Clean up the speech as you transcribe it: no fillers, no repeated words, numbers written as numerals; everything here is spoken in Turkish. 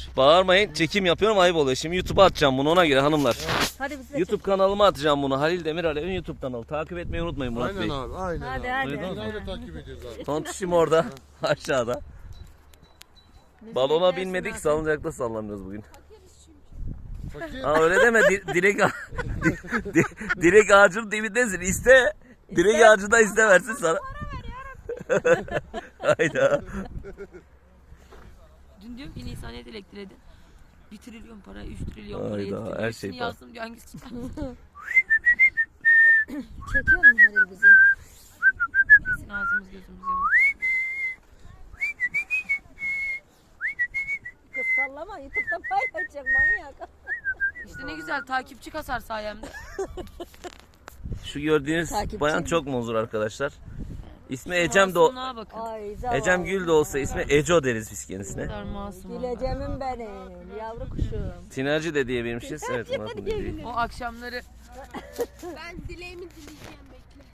Bağırmayın, çekim yapıyorum, ayıp oluyor. Şimdi YouTube'a atacağım bunu, ona göre hanımlar. Hadi bize YouTube kanalıma atacağım bunu. Halil Demir Alev'in YouTube kanalı. Takip etmeyi unutmayın Murat Aynen Bey. abi, aynen Hadi, abi. hadi. Biz öyle takip ediyoruz abi. Tontişim orada aşağıda. Bizi Balona beklersin binmedik, abi. salıncakta sallanıyoruz bugün. Fakir. Aa öyle deme, direkt ağacın dibindesin. İste. Direkt ağacı da iste, versin sana. Hayda. Dün diyorum ki Nisan'ya elektriğe 1 trilyon para, 3 trilyon para, Hayda, 7 trilyon. her Hepsini şey para. yazdım diyor, hangisi çıkar? Çekiyor mu Halil bizi? Kesin ağzımız gözümüz yanıyor. Kız sallama, YouTube'da paylaşacak manyak. İşte ne güzel takipçi kasar sayemde. Şu gördüğünüz Takipçi bayan mi? çok muzur arkadaşlar. İsmi Ecem de Masumluğa bakın. Ay zavallı. Ecem Gül de olsa ismi Eco deriz biz Ne kendisine. kadar masum oldu. Güleceğimim benim, yavru kuşum. Tinerci de diyebilmişiz. Evet Murat Bey. O akşamları Ben dileğimi dileyeceğim.